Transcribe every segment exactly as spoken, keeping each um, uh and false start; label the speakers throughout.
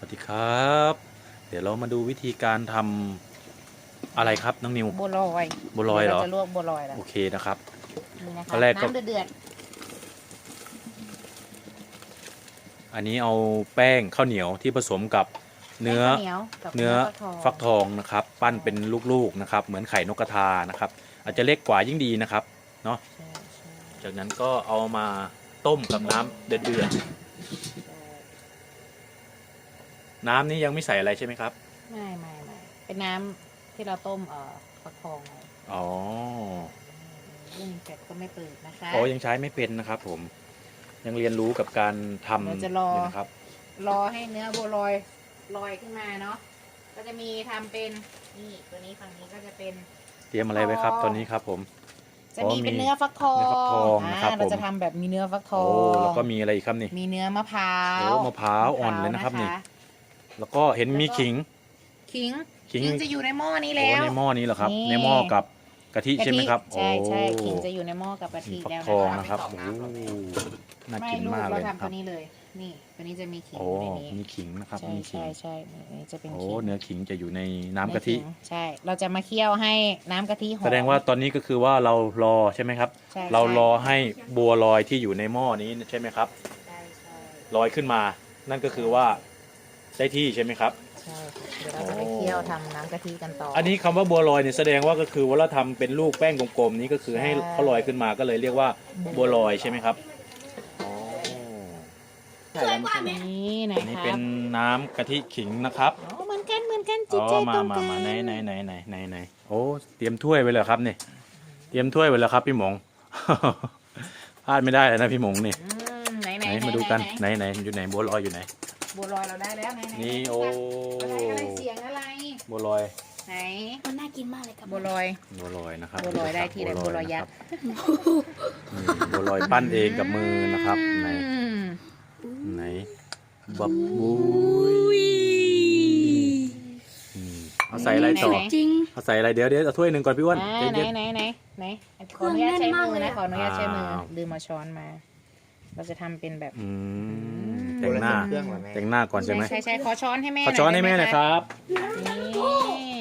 Speaker 1: วัสดีครับเดี๋ยวเรามาดูวิธีการทำอะไรครับน้องนิว
Speaker 2: บัวลอย
Speaker 1: บัวลอยเหรอ
Speaker 2: เราจะลวกบัวลอยแล้ว
Speaker 1: โอเคนะครับ
Speaker 2: นี่นะคะ
Speaker 1: ตอนแรกก็
Speaker 2: น้ำเดือด
Speaker 1: อันนี้เอาแป้งข้าวเหนียวที่ผสมกับ
Speaker 2: ๆ
Speaker 1: เนื้อ
Speaker 2: แป้งข้าวเหนียวกับ
Speaker 1: เนื้อ
Speaker 2: ฟั
Speaker 1: ฟั
Speaker 2: ก
Speaker 1: ก
Speaker 2: ท
Speaker 1: ท
Speaker 2: อง
Speaker 1: องนะครับปั้นเป็นลูกๆนะครับเหมือนไข่นกกระทานะครับอาจจะเล็กกว่ายิ่งดีนะครับเนาะ
Speaker 2: ใช่ใช่
Speaker 1: จากนั้นก็เอามาต้มกับน้ำเดือด
Speaker 2: ใช่
Speaker 1: ๆน้ำนี้ยังไม่ใส่อะไรใช่ไหมครับ
Speaker 2: ไม่ไม่ไม่เป็นน้ำที่เราต้มเอ่อฟักทองไว้
Speaker 1: อ๋อ
Speaker 2: รุ่นเสร็จก็ไม่เปิดนะคะ
Speaker 1: โอ้ยังใช้ไม่เป็นนะครับผมยังเรียนรู้กับการทำ
Speaker 2: เราจะรอ
Speaker 1: อยู่นะครับ
Speaker 2: รอให้เนื้อบัวลอยลอยขึ้นมาเนาะก็จะมีทำเป็นนี่ตัวนี้ฝั่งนี้ก็จะเป็น
Speaker 1: เตรียมอะไรไว้ครับตอนนี้ครับผม
Speaker 2: จะมีเป็นเนื้อฟักทอง
Speaker 1: เนื้อฟักทองนะครับ
Speaker 2: อ่าเรา
Speaker 1: ผม
Speaker 2: จะทำแบบมีเนื้อฟักทอ
Speaker 1: โอ้
Speaker 2: ง
Speaker 1: แล้วก็มีอะไรอีกครับนี่
Speaker 2: มีเนื้อมะพร้าว
Speaker 1: โอ้มะพร้าวอ่อนเลยนะครับนี่ แล้วก็เห็นมีขิง
Speaker 2: ขิง
Speaker 1: ขิง
Speaker 2: ขิงจะอยู่ในหม้อนี้
Speaker 1: โอ้
Speaker 2: แล้ว
Speaker 1: ในหม้อนี้เหรอครับ
Speaker 2: นี่
Speaker 1: ในหม้อกับกะทิใช่ไหมครับ
Speaker 2: ใช่ใช่
Speaker 1: โอ้
Speaker 2: ขิงจะอยู่ในหม้อกับกะทิ
Speaker 1: ฟัก
Speaker 2: แล้ว
Speaker 1: ทอง
Speaker 2: นะ
Speaker 1: นะคะ ครับโอ้น่า
Speaker 2: ไม่
Speaker 1: กิน
Speaker 2: ลูก
Speaker 1: มาก
Speaker 2: เรา
Speaker 1: เลยนะ
Speaker 2: ทำ
Speaker 1: ค
Speaker 2: ตั
Speaker 1: รั
Speaker 2: ว
Speaker 1: บ
Speaker 2: นี้เลย นี่ตัวนี้จะมีขิง
Speaker 1: โอ้
Speaker 2: อยู่ในนี้
Speaker 1: มีขิงนะครับ
Speaker 2: ใช่
Speaker 1: มีขิง
Speaker 2: ใช่ใช่นี่จะเป็น
Speaker 1: โอ้
Speaker 2: ขิง
Speaker 1: เนื้อขิงจะอยู่ในน้ำกะทิ
Speaker 2: เนื้อขิงใช่ เราจะมาเคี่ยวให้น้ำกะทิหอม
Speaker 1: แสดงว่าตอนนี้ก็คือว่าเรารอใช่ไหมครับ
Speaker 2: ใช่
Speaker 1: เรา
Speaker 2: ใช่
Speaker 1: รอให้บัวลอยที่อยู่ในหม้อนี้ใช่ไหมครับ
Speaker 2: ใช่ใช่
Speaker 1: ลอยขึ้นมา นั่นก็คือว่าได้ที่ใช่ไหมครับ
Speaker 2: ใช่เดี๋ยวเราจะไปเคี่ยวทำน้ำกะทิกันต่อ
Speaker 1: อันนี้คำว่าบัวลอยเนี่ยแสดงว่าก็คือว่าเราทำเป็นลูกแป้งกลมๆนี้ก็คือให้
Speaker 2: ใช่
Speaker 1: เขาลอยขึ้นมาก็เลยเรียกว่าบัวลอยใช่ไหมครับอ๋อใช่แล้วมันคือ
Speaker 2: นี่นะ
Speaker 1: อันนี้
Speaker 2: คะ
Speaker 1: เป็นน้ำกะทิขิงนะครับ
Speaker 2: อ๋อเหมือนกันเหมือนกันจิต
Speaker 1: อ๋อ
Speaker 2: ใจ
Speaker 1: มา
Speaker 2: ตรง
Speaker 1: มา
Speaker 2: กัน
Speaker 1: มาไหนไหนไหนไหนไหนไหนโอ้เตรียมถ้วยไว้เลยครับนี่เตรียมถ้วยไว้แล้วครับพี่หมง พลาดไม่ได้เลยนะพี่หมงนี่
Speaker 2: อืมไหนไหน
Speaker 1: ไหน
Speaker 2: ไหน
Speaker 1: มาดูกัน
Speaker 2: ไหน
Speaker 1: ไหนไหนอยู่ไหนบัวลอยอยู่ไหน
Speaker 2: บัวลอยเราได้แล้วไหนไหน
Speaker 1: นี่โอ้
Speaker 2: อะไรอะไรเสียงอะไร
Speaker 1: บัวลอย
Speaker 2: ไหน
Speaker 3: มันน่ากินมากเลยครับ
Speaker 2: บัวลอย
Speaker 1: บัวลอยนะครับ
Speaker 2: บัวลอยได้ที่ไหนบัวลอยยักษ์
Speaker 1: นะครับนี่บัวลอยปั้นเองกับมือนะครับไหน
Speaker 2: อืม
Speaker 1: ไหนบับบุยอืมเอาใส่อะไรต่อ
Speaker 3: จริง
Speaker 1: เอาใส่อะไรเดี๋ยวเดี๋ยวเอาถ้วยหนึ่งก่อนพี่อ้วน
Speaker 2: อ่า
Speaker 1: ใจ
Speaker 2: ไหน
Speaker 1: เย็น
Speaker 2: ไหนไหนไหนขออนุญาตใช้มือนะขออนุญาตใช้มือ
Speaker 1: อ้าว
Speaker 2: ลืมมาช้อนมา เราจะทำเป็นแบบ
Speaker 1: อืมแต่งหน้า
Speaker 4: เครื่องเหรอแม่
Speaker 1: แต่งหน้าก่อนใช่ไหม
Speaker 2: ใช่ใช่ขอช้อนให้แม่
Speaker 1: ขอช้อนให้แม่หน่อยครับ
Speaker 2: นี่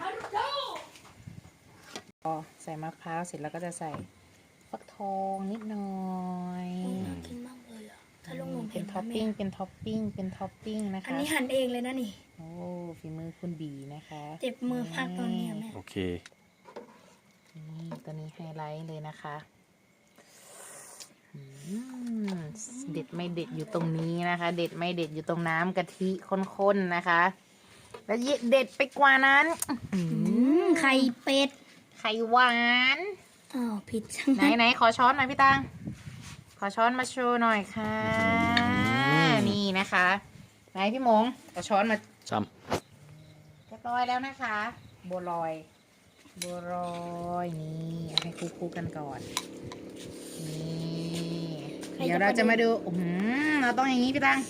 Speaker 2: อ๋อใส่มะพร้าวเสร็จแล้วก็จะใส่ฟักทองนิดหน่อย
Speaker 3: น่ากินมากเลยอ่ะ ถ้าลงนม
Speaker 2: เป็
Speaker 3: เห็
Speaker 2: น
Speaker 3: น
Speaker 2: ท็อปปิ้งเป็นท็อปปิ้งเป็นท็อปปิ้งนะ
Speaker 3: อัน
Speaker 2: คะ
Speaker 3: นี้หั่นเองเลยนะนี่
Speaker 2: โอ้ฝีมือคุณบีนะคะ
Speaker 3: เจ็บมือมากตอนนี้อะแม่
Speaker 1: โอเค
Speaker 2: นี่ตัวนี้ไฮไลท์เลยนะคะอืมเด็ดไม่เด็ดอยู่ตรงนี้นะคะ เด็ดไม่เด็ดอยู่ตรงน้ำกะทิข้นๆนะคะ แล้วเด็ดไปกว่านั้นอื้อหือ
Speaker 3: ไข่เป็ด
Speaker 2: ไข่หวาน
Speaker 3: อ้าวผิดจัง
Speaker 2: ไหนไหนขอช้อนหน่อยพี่ตังขอช้อนมาโชว์หน่อยค่ะ นี่นะคะไหนพี่หมงขอช้อนมา
Speaker 1: ซ้
Speaker 2: เรียบร้อยแล้วนะคะ บัวลอย บัวลอยนี่เอาให้คู่ๆกันก่อนนี่เดี๋ยวเราจะมาดูอื้อหือเราต้องอย่างนี้พี่ตัง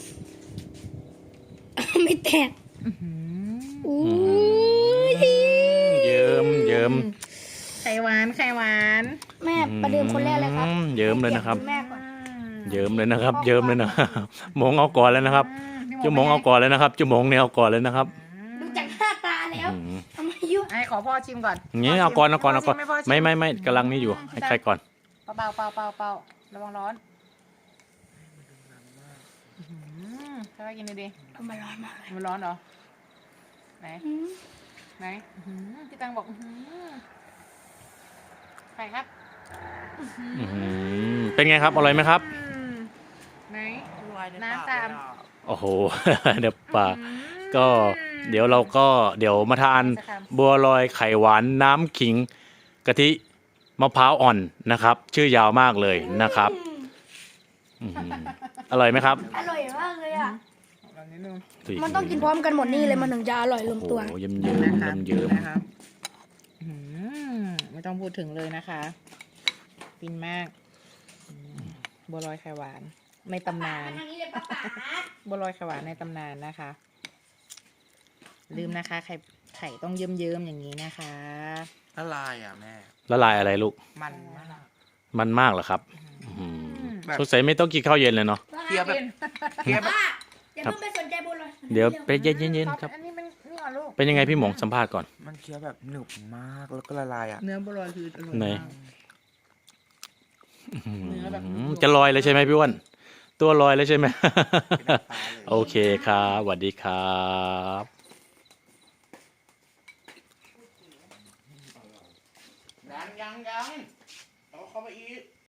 Speaker 3: ไม่แตก
Speaker 2: อื้อหือ
Speaker 3: อู้
Speaker 1: ำ
Speaker 3: ย
Speaker 1: เยิ้มเยิ้ม
Speaker 2: ไข่หวานไข่หวาน
Speaker 3: แม่ประเดิมคนแรกเลยครับ
Speaker 1: อืมเยิ้มเลยนะครับ
Speaker 3: แม่ก่อน
Speaker 1: เยิ้มเลยนะครับ เยิ้มเลยนะครับหมงเอาก่อนเลยนะครับ
Speaker 2: อืพี่
Speaker 1: จุ๋มงเอาก่อนเลยนะครับจุ๋มงเนี่ยเอาก่อนเลยนะครับ
Speaker 3: ดูจากหน้าตาแล้ว
Speaker 1: อืม
Speaker 3: ทำไมยุ่ง
Speaker 2: ไอ้ขอพ่อชิมก่อน
Speaker 1: อย่างนี้เอาก่อนเอาก่อนเอาก่อน
Speaker 2: พ่ชิ
Speaker 1: ไม่ไม่ไม่กำลังนี่อยู่ให้ใครก่อน
Speaker 2: เบาเบาเบาเบาระวังร้อนอื้อหือใช่ไหมกินดูดิ
Speaker 3: ทำไมร้อนมากเลย
Speaker 2: มันร้อนเหรอไหน
Speaker 3: อืม
Speaker 2: ไหนอื้อหือพี่ตังบอกอื้อหือใครครับ
Speaker 1: อื้อหือเป็นไงครับอร่อยไหมครับ
Speaker 2: อืมไหนน้ำตาม
Speaker 1: โอ้โห เดี๋ยวป่าก็เดี๋ยวเราก็เดี๋ยวมาทานบัวลอยไข่หวานน้ำขิงกะทิมะพร้าวอ่อนนะครับ ชื่อยาวมากเลยนะครับอื้อหืออร่อยไหมครับ
Speaker 3: อร่อยมากเลยอ่ะ
Speaker 2: ลองนิดนึง
Speaker 3: มันต้องกินพร้อมกันหมดนี่เลยมันถึงจะอร่อยลง
Speaker 1: โอ้
Speaker 3: ตัว
Speaker 1: โหเยิ้มเยิ้ม
Speaker 2: นะครับ
Speaker 1: เยิ้ม
Speaker 2: นะครับอื้อหือไม่ต้องพูดถึงเลยนะคะฟินมากอืมบัวลอยไข่หวานในตำนาน
Speaker 3: ทางนี้เลยป้าป๋า
Speaker 2: บัวลอยไข่หวานในตำนานนะคะ ลืมนะคะ ไข่ไข่ต้องเยิ้มๆอย่างนี้นะคะ
Speaker 4: ละลายอ่ะแม่
Speaker 1: ละลายอะไรลูก
Speaker 4: มันมาก
Speaker 1: มันมากเหรอครับอื้อหือ
Speaker 4: แบบ
Speaker 1: สงสัยไม่ต้องกินข้าวเย็นเลยเนาะ
Speaker 4: เคี้ยวแบบเคี้ยวแบบ
Speaker 3: อย่า
Speaker 1: ครับ
Speaker 3: เพิ่งไปสนใจบัวลอย
Speaker 1: เดี๋ยวไปเย็นๆครับ
Speaker 2: อันนี้มันนี่ก่อนลูก
Speaker 1: เป็นยังไงพี่หมงสัมภาษณ์ก่อน
Speaker 4: มันเคี้ยวแบบหนึบมากแล้วก็ละลายอ่ะ
Speaker 5: เนื้อบัวลอยคืออร่อย
Speaker 1: ไหน
Speaker 5: มาก เนื้อแบบ
Speaker 1: อืมจะลอยเลยใช่ไหมพี่อ้วนตัวลอยเลยใช่ไหม
Speaker 4: เป็นน้ำตาเลย
Speaker 1: โอเคครับสวัสดีครับ
Speaker 4: ยังยังยังเอาเข้ามาอีก